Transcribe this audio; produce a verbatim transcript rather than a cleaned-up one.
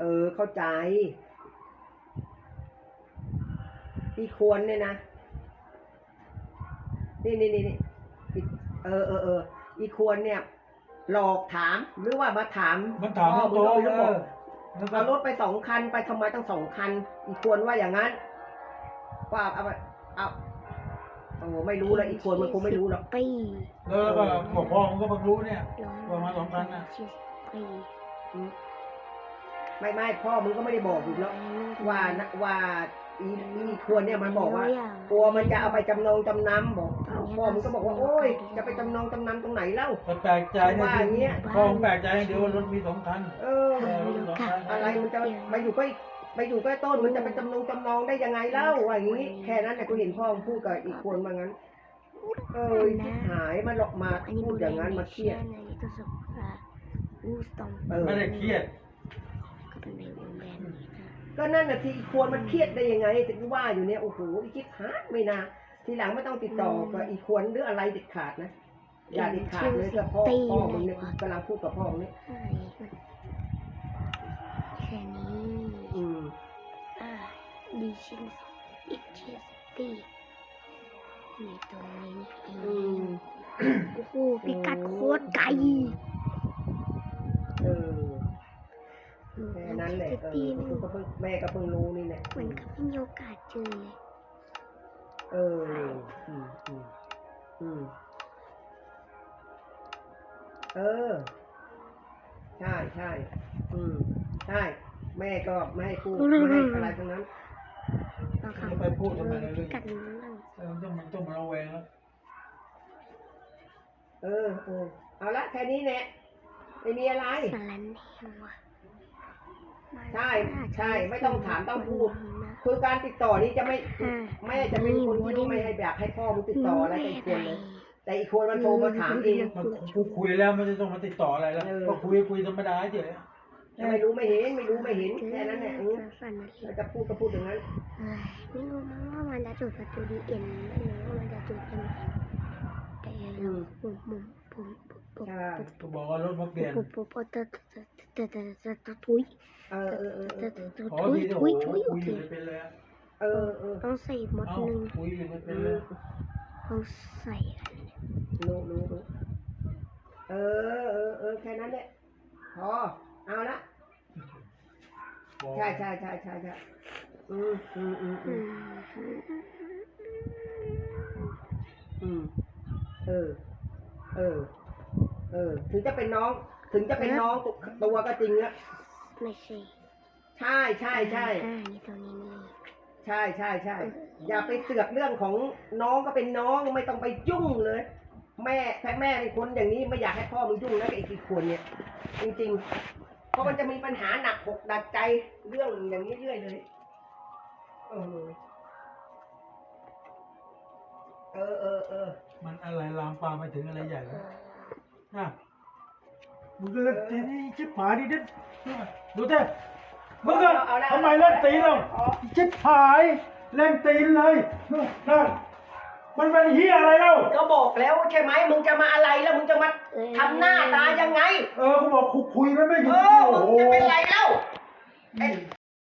ออเข้าใจอีควรเนี่ยนะนี่นี่นี่นี่เออเออเอออีควรเนี่ยหลอกถามหรือว่ามาถามมันถามพ่อตัวมึงก็ไม่รู้เอบอกอแล้วก็เอารถไปสองคันไปทำไมตั้งสองคัน อีควรว่าอย่างนั้นว่าเอาไปเอาโอ้ไม่รู้แล้วอีควรมันคงไม่รู้หรอกปีแล้วก็บอกพ่อมันก็เพิ่งรู้เนี่ยประมาณสองพันน่ะปีไม่ไม่พ่อมึงก็ไม่ได้บอกอยู่แล้วว่านะว่าอีอีควรเนี่ยมันบอกว่ากลัวมันจะเอาไปจำนองจำนำบอกอ้าวพ่อมึงก็บอกว่าโอ้ยจะไปจำนองจำนำตรงไหนเล่าแต่แปลกใจว่าอย่างเงี้ยพ่อผมแปลกใจเดี๋ยวว่ารถมีสองคันเออเออรถมีสองคันอะไรมันจะมาอยู่ใกล้ไปอยู่ใกล้ต้นมันจะไปจำนองจำนองได้ยังไงเล่าว่าอย่างนี้แค่นั้นแต่กูเห็นพ่อมึงพูดกับอีกคนมางั้นเออชิบหายมาหลอกมาพูดอย่างนั้นมาเครียดเออไม่ได้เครียดก็นั่นน่ะทีอีควรมันเครียดได้ยังไงถึงว่าอยู่เนี่ยโอ้โหอีคิดหายไม่นาทีหลังไม่ต้องติดต่อกับอีควรหรืออะไรเด็ดขาดนะอย่าเด็ดขาดเลยกับพ่อพ่อมึงเนี่ยกำลังพูดกับพ่อมึงเนี่ยแค่นี้อืมอ่าดีชินอีกชินตีมีตรงนี้เออืงมโอ้โหพิกัดโคตรไกลเออแค่นั้นแหละเออกูก็เพิ่งแม่ก็เพิ่งรู้นี่แหละเหมือนกับไม่มีโอกาสเจอเลยเอออืมอืมอืมเออใช่ใช่อืมใช่แม่ก็ไม่ให้พูดไม่ให้อะไรทั้งนั้นบางครั้งจะไปพูดทำไมเจในอเรื่พิองกัดนั้นบ้างเออมันต้องมันต้องมาระแวงแล้วเออเออเอาละแค่นี้แหละไม่มีอะไรสารแหนวะใช่ใช่ไม่ต้องถามต้องพูด คือการติดต่อนี้จะไม่แม่จะเป็นคนที่ไม่ให้แบบให้พ่อมึงติดต่ออะไรกับอีกคนเลยแต่อีกคนมันโทรมาถามเองมันกูคุยแล้วมันจะต้องมาติดต่ออะไรแล้วเออก็คุยคุยธรรมดาเฉยไม่รู้ไม่เห็นไม่รู้ไม่เห็นแค่นั้นแหละเออือมฝันอะไรจะพูดก็พูดอย่างนั้นไม่รู้มั้งว่ามันจะจุดประตูดีเอ็นไม่รู้ว่ามันจะจุดยังไงแต่เราผมผมผมผมใช่ก็บอกว่ารถมาเปลี่ยนผมผมผมแต่แต่แต่แต่ทุยเออเออเออเอแต่อเออแต่ขอทุยทีโอ้ทุโหยทุยคุโอยอเคยู่ไม่เป็นเลยอะเออเออต้องใส่หมดเอ้าหนึ่งคุยอยู่ไม่เป็นอืเลมยต้องใส่อะไรเนี่ยรู้รู้รู้เออเออเออแค่นั้นแหละพอเอาละบอกใช่ใช่ใช่ใช่ใช่อืมอืมอืมอือืมมอืมเออ เออ เออ ถึงจะเป็นน้อง ถึงจะเป็นน้องตัวตัวก็จริงอะไม่ใช่ใช่ใช่ใช่อ่านี่ตรงนี้นี่ใช่ใช่ใช่อย่าไปเสือกเรื่องของน้องก็เป็นน้องไม่ต้องไปยุ่งเลย แม่แม่แม่เป็นคนอย่างนี้ไม่อยากให้พ่อมึงยุ่งนะกับไอ้กี่คนเนี่ย จริงๆ เพราะมันจะมีปัญหาหนักหกดัดใจเรื่องอย่างนี้เรื่อยเลยเออเออเออเออมันอะไรลามปามไปถึงอะไรใหญ่แล้วนะมึงก็เล่นตีนี่ชิบหายดิเด็ดดูเถอะมึงก็ทำไมเล่นตีเราชิบหายเล่นตีนเลยนั่นมันเป็นเฮียอะไรเล่าก็บอกแล้วใช่ไหมมึงจะมาอะไรแล้วมึงจะมาทำหน้าตายังไงเออกูบอกคุยมันไม่หยุเอดอมึงจะเป็นไรเล่าไอ้